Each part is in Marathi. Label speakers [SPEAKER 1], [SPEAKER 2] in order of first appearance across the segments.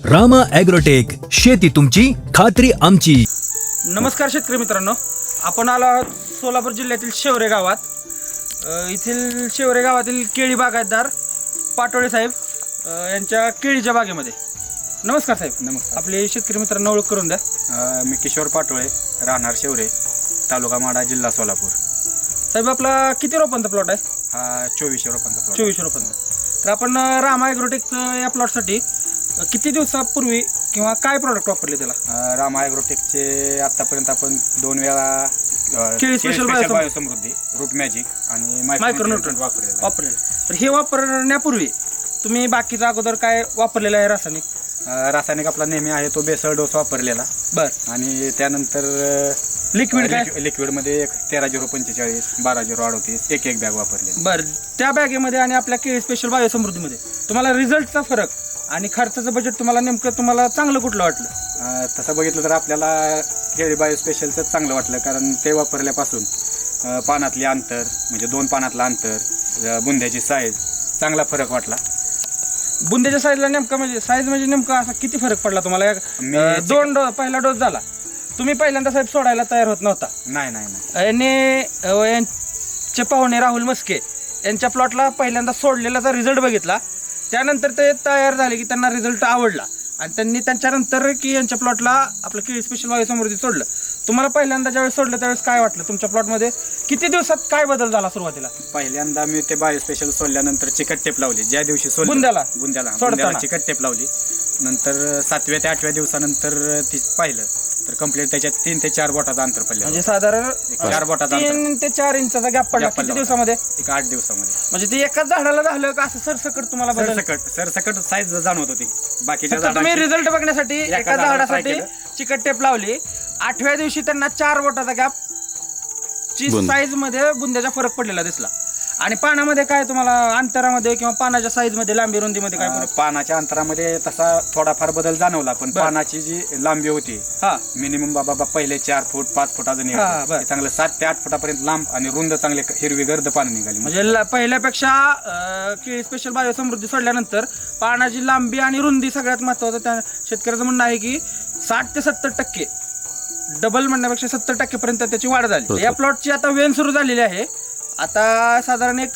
[SPEAKER 1] रामा ॲग्रोटेक, शेती तुमची खात्री आमची.
[SPEAKER 2] नमस्कार शेतकरी मित्रांनो, आपण आलो आहोत सोलापूर जिल्ह्यातील शेवरे गावात. येथील शेवरे गावातील केळी बागायतदार पाटोळे साहेब यांच्या केळीच्या बागेमध्ये. नमस्कार साहेब.
[SPEAKER 3] नमस्कार.
[SPEAKER 2] आपले शेतकरी मित्रांना ओळख करून द्या.
[SPEAKER 3] मी किशोर पाटोळे, राहणार शेवरे, तालुका माडा, जिल्हा सोलापूर.
[SPEAKER 2] साहेब, आपला किती रोपांचा प्लॉट आहे?
[SPEAKER 3] हा 24 रोपांचा प्लॉट.
[SPEAKER 2] 24 रोपांचा. तर आपण रामा ॲग्रोटेकचं या प्लॉटसाठी किती दिवसापूर्वी किंवा काय प्रॉडक्ट वापरले त्याला?
[SPEAKER 3] रामा ॲग्रोटेकचे आतापर्यंत आपण 2 वेळा
[SPEAKER 2] केळी स्पेशल
[SPEAKER 3] बायोसमृद्धी, रूट मॅजिक आणि
[SPEAKER 2] मायक्रोन्यूट्रंट
[SPEAKER 3] वापरले.
[SPEAKER 2] तर हे वापरण्यापूर्वी तुम्ही बाकीचा अगोदर काय वापरलेलं आहे रासायनिक?
[SPEAKER 3] रासायनिक आपला नेहमी आहे तो बेसळ डोस वापरलेला.
[SPEAKER 2] बरं.
[SPEAKER 3] आणि त्यानंतर
[SPEAKER 2] लिक्विड काय?
[SPEAKER 3] लिक्विडमध्ये 13-0-45, 12-0-38 एक बॅग वापरली.
[SPEAKER 2] बरं. त्या बॅगेमध्ये आणि आपल्या केळी स्पेशल बायोसमृद्धीमध्ये तुम्हाला रिझल्टचा फरक आणि खर्चाचं बजेट तुम्हाला चांगलं कुठलं वाटलं?
[SPEAKER 3] तसं बघितलं तर आपल्याला केळी बायो स्पेशलचं चांगलं वाटलं, कारण ते वापरल्यापासून पानातली अंतर म्हणजे 2 पानातलं अंतर, बुंद्याची साईज चांगला फरक वाटला.
[SPEAKER 2] बुंद्याच्या साईजला साईज म्हणजे नेमका असा किती फरक पडला तुम्हाला? पहिला डोस झाला, तुम्ही पहिल्यांदा साहेब सोडायला तयार होत नव्हता.
[SPEAKER 3] नाही.
[SPEAKER 2] यांचे पाहुणे राहुल मस्के यांच्या प्लॉटला पहिल्यांदा सोडलेला रिझल्ट बघितला. त्यानंतर ते तयार झाले की त्यांना रिझल्ट आवडला आणि त्यांनी त्यांच्यानंतर की यांच्या प्लॉटला आपलं केळी स्पेशल बायोसमृद्धी सोडलं. तुम्हाला पहिल्यांदा ज्यावेळेस सोडलं त्यावेळेस काय वाटलं? तुमच्या प्लॉटमध्ये किती दिवसात काय बदल झाला सुरुवातीला?
[SPEAKER 3] पहिल्यांदा मी ते बायो स्पेशल सोडल्यानंतर चिकट टेप लावली. ज्या दिवशी सोडलं बुंद्याला चिकट टेप लावली. नंतर 7व्या ते 8व्या दिवसानंतर ती पाहिलं तर कंप्लीट त्याच्यात 3 ते 4 बोटाचं अंतर पडलं.
[SPEAKER 2] म्हणजे साधारण
[SPEAKER 3] 4 बोटाचं अंतर,
[SPEAKER 2] 3 ते 4 इंचाचा गॅप पडला. किती दिवसामध्ये?
[SPEAKER 3] एक 8 दिवसामध्ये.
[SPEAKER 2] म्हणजे ते एकाच झाडाला झालं का असं सरसकट तुम्हाला बदल?
[SPEAKER 3] सरसकट साईज जाणवत होती. बाकीच्या
[SPEAKER 2] तुम्ही रिझल्ट बघण्यासाठी एका झाडासाठी
[SPEAKER 3] केलं.
[SPEAKER 2] चिकट टेप लावली. 8व्या दिवशी त्यांना 4 बोटाचा गॅप ची साईज मध्ये बुंद्याचा फरक पडलेला दिसला. आणि पानामध्ये काय तुम्हाला अंतरामध्ये किंवा पानाच्या साईज मध्ये, लांबी रुंदीमध्ये काय फरक?
[SPEAKER 3] पानाच्या अंतरामध्ये तसा थोडाफार बदल जाणवला, पण पानाची जी लांबी होती मिनिमम बाबा पहिले 4 फूट 5 फूट अजून चांगलं 7 ते 8 फुटापर्यंत लांब आणि रुंद चांगले हिरवी गर्द पानं निघाली.
[SPEAKER 2] म्हणजे पहिल्यापेक्षा केळी स्पेशल बायोसमृद्धी सोडल्यानंतर पानाची लांबी आणि रुंदी सगळ्यात महत्वाचं. त्या शेतकऱ्याचं म्हणणं आहे की 60 ते 70% डबल म्हणण्यापेक्षा 70% पर्यंत त्याची वाढ झाली. या प्लॉटची आता वेन सुरू झालेली आहे. आता साधारण एक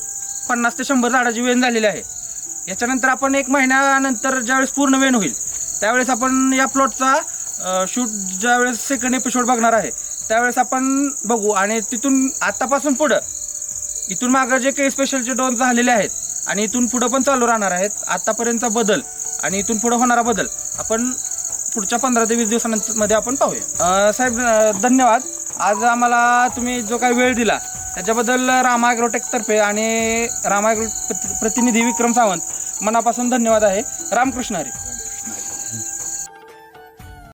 [SPEAKER 2] 50 ते 100 झाडाची वेन झालेली आहे. याच्यानंतर आपण 1 महिन्यानंतर ज्यावेळेस पूर्ण वेन होईल त्यावेळेस आपण या प्लॉटचा शूट ज्यावेळेस सेकंड एपिसोड बघणार आहे त्यावेळेस आपण बघू. आणि तिथून आतापासून पुढं इथून मागं जे काही स्पेशलचे डोस झालेले आहेत आणि इथून पुढं पण चालू राहणार आहेत, आतापर्यंतचा बदल आणि इथून पुढं होणारा बदल आपण पुढच्या 15 ते 20 दिवसांमध्ये आपण पाहूया. साहेब धन्यवाद. आज आम्हाला तुम्ही जो काही वेळ दिला त्याच्याबद्दल रामा ॲग्रोटेक तर्फे आणि रामा ॲग्रो प्रतिनिधी विक्रम सावंत मनापासून धन्यवाद आहे. रामकृष्ण हरी.